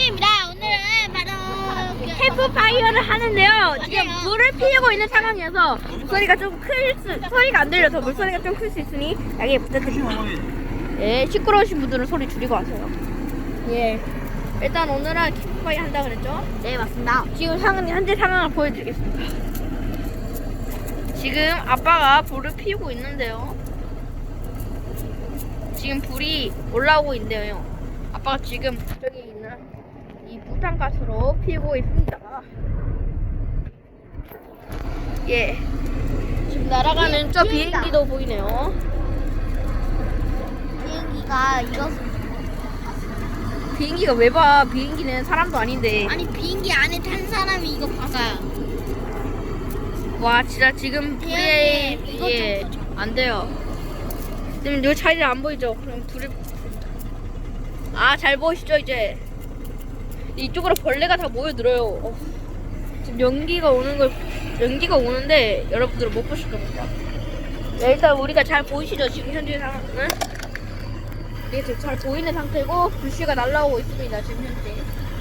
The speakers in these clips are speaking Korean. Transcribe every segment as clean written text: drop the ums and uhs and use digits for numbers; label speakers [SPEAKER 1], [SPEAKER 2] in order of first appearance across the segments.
[SPEAKER 1] 핑구입니다. 오늘은 바로
[SPEAKER 2] 캠프파이어를 하는데요. 지금
[SPEAKER 1] 맞아요.
[SPEAKER 2] 불을 피우고 있는 상황이어서 소리가 좀 소리가 안 들려서 물소리가 좀 클 수 있으니 양해 부탁드립니다. 예, 시끄러우신 분들은 소리 줄이고 하세요. 예. 일단 오늘은 캠프파이어 한다 그랬죠?
[SPEAKER 1] 네 맞습니다.
[SPEAKER 2] 지금 현재 상황을 보여드리겠습니다. 지금 아빠가 불을 피우고 있는데요. 지금 불이 올라오고 있는데요. 아빠가 지금 저기 있는 이 부탄가스로 피우고 있습니다. 예. 지금 날아가는 저
[SPEAKER 1] 비행기다.
[SPEAKER 2] 비행기도 보이네요.
[SPEAKER 1] 비행기가 이것을
[SPEAKER 2] 비행기가 왜 봐? 비행기는 사람도 아닌데.
[SPEAKER 1] 아니 비행기 안에 탄 사람이 이거 봐서요.
[SPEAKER 2] 와 진짜 지금 불이
[SPEAKER 1] 비행기 이거
[SPEAKER 2] 예,
[SPEAKER 1] 좀 더.
[SPEAKER 2] 안 돼요. 지금 여기 자리를 안 보이죠? 그럼 불을 잘 보이시죠 이제? 이쪽으로 벌레가 다 모여들어요. 지금 연기가 오는데 여러분들은 못 보실 겁니다. 네, 일단 우리가 잘 보이시죠? 지금 현재 상황은 이게 지금 잘 보이는 상태고 불씨가 날라오고 있습니다. 지금 현재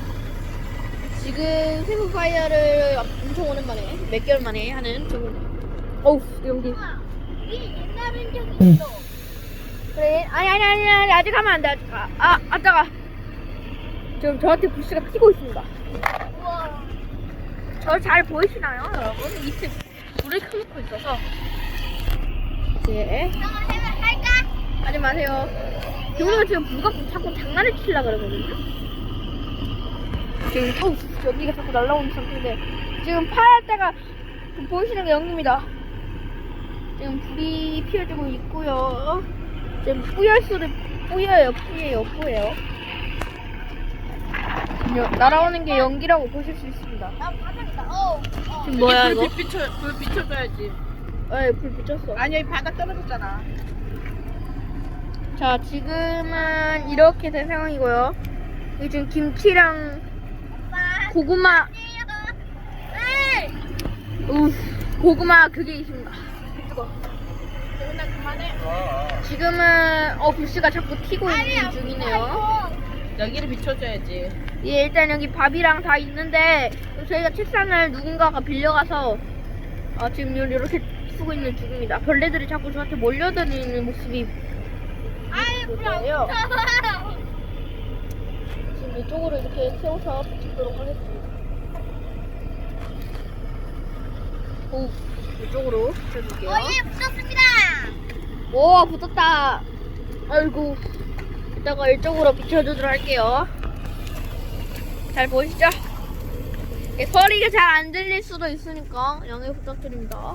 [SPEAKER 2] 지금 캠프파이어를 엄청 오랜만에 몇 개월 만에 하는 어우 연기.
[SPEAKER 1] 이게 옛날엔 적이 있어.
[SPEAKER 2] 그래 아니 아직 하면 안 돼. 아직 아따가 지금 저한테 불씨가 피고 있습니다.
[SPEAKER 1] 우와.
[SPEAKER 2] 저 잘 보이시나요 여러분? 밑에 불을 켜놓고 있어서 예
[SPEAKER 1] 할까?
[SPEAKER 2] 하지 마세요. 경우가 지금 누가 자꾸 장난을 치려고 그러거든요. 지금 연기가 자꾸 날라오는 상태인데 지금 파랄 때가 보이시는 게 연기입니다. 지금 불이 피어지고 있고요. 지금 뿌예요. 지금 날아오는 게 연기라고 보실 수 있습니다.
[SPEAKER 1] 나 바닥이다.
[SPEAKER 2] 지금 뭐야 이거?
[SPEAKER 3] 불 비춰줘야지.
[SPEAKER 2] 네, 불 비쳤어.
[SPEAKER 3] 아니 여기 바닥 떨어졌잖아.
[SPEAKER 2] 자, 지금은 이렇게 된 상황이고요. 여기 지금 김치랑 고구마, 고구마 그게 있습니다. 뜨거.
[SPEAKER 3] 재훈아 그만해.
[SPEAKER 2] 지금은 불씨가 자꾸 튀고 있는 중이네요.
[SPEAKER 3] 여기를 비춰줘야지.
[SPEAKER 2] 예, 일단 여기 밥이랑 다 있는데 저희가 책상을 누군가가 빌려가서 지금 이렇게 쓰고 있는 중입니다. 벌레들이 자꾸 저한테 몰려드는 모습이 보여요. 지금 이쪽으로 이렇게 세워서 붙이도록 하겠습니다. 이쪽으로 붙여줄게요.
[SPEAKER 1] 예 붙었습니다.
[SPEAKER 2] 오, 붙었다. 아이고. 이따가 이쪽으로 비춰주도록 할게요. 잘 보이시죠? 소리가 잘 안 들릴 수도 있으니까 양해 부탁드립니다.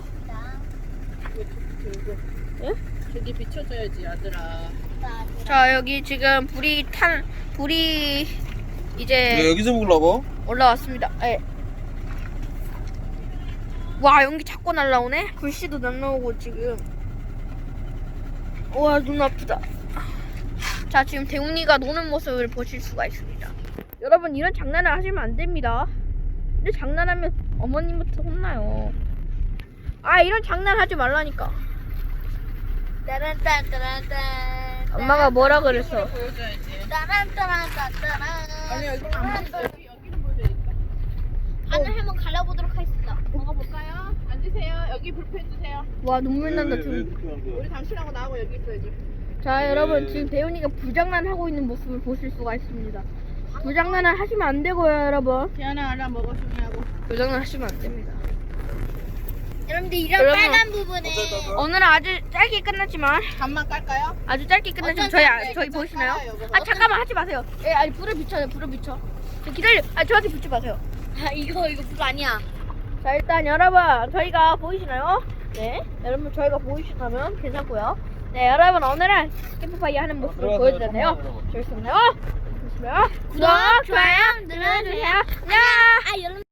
[SPEAKER 2] 예?
[SPEAKER 3] 저기 비춰줘야지 아들아.
[SPEAKER 2] 자, 여기 지금 불이
[SPEAKER 4] 왜
[SPEAKER 2] 이제
[SPEAKER 4] 여기서 먹으려고?
[SPEAKER 2] 올라왔습니다. 예. 와, 연기 자꾸 날라오네? 불씨도 날라오고 지금. 와, 눈 아프다. 자, 지금 대웅이가 노는 모습을 보실 수가 있습니다. 여러분, 이런 장난을 하시면 안 됩니다. 이런 장난하면 어머님부터 혼나요. 이런 장난 하지 말라니까.
[SPEAKER 1] 따란따란따란따.
[SPEAKER 2] 엄마가 뭐라 그랬어?
[SPEAKER 3] 보여줘야지.
[SPEAKER 1] 따란따란따란따란.
[SPEAKER 3] 아니 여기 안 보인다. 여기는 보여줘야겠다.
[SPEAKER 1] 하늘 한번 갈라보도록 하겠습니다.
[SPEAKER 3] 먹어볼까요? 앉으세요. 여기 불 펴주세요.
[SPEAKER 2] 와, 눈물 난다, 지금.
[SPEAKER 3] 우리 당신하고 나하고 여기 있어야지.
[SPEAKER 2] 자, 여러분, 지금 대훈이가 불장난 하고 있는 모습을 보실 수가 있습니다. 불장난을 하시면 안 되고요, 여러분.
[SPEAKER 3] 태연아 알아 먹어 중요하고.
[SPEAKER 2] 불장난 하시면 안 됩니다.
[SPEAKER 1] 여러분들 이런
[SPEAKER 2] 여러분.
[SPEAKER 1] 빨간 부분에
[SPEAKER 2] 오늘은 아주 짧게 끝났지만,
[SPEAKER 3] 간만 깔까요?
[SPEAKER 2] 아주 짧게 끝났지만, 저희 보이시나요? 잠깐만 하지 마세요. 불을 비춰요, 불을 비춰. 기다려. 저한테 붙지 마세요.
[SPEAKER 1] 이거 불 아니야.
[SPEAKER 2] 자, 일단 여러분, 저희가 보이시나요? 네. 여러분, 저희가 보이시다면 괜찮고요. 네, 여러분, 오늘은 캠프파이어 하는 모습을 보여드렸네요. 재밌었나요? 재밌으면 구독, 좋아요 눌러주세요. 안녕!
[SPEAKER 1] 여러분.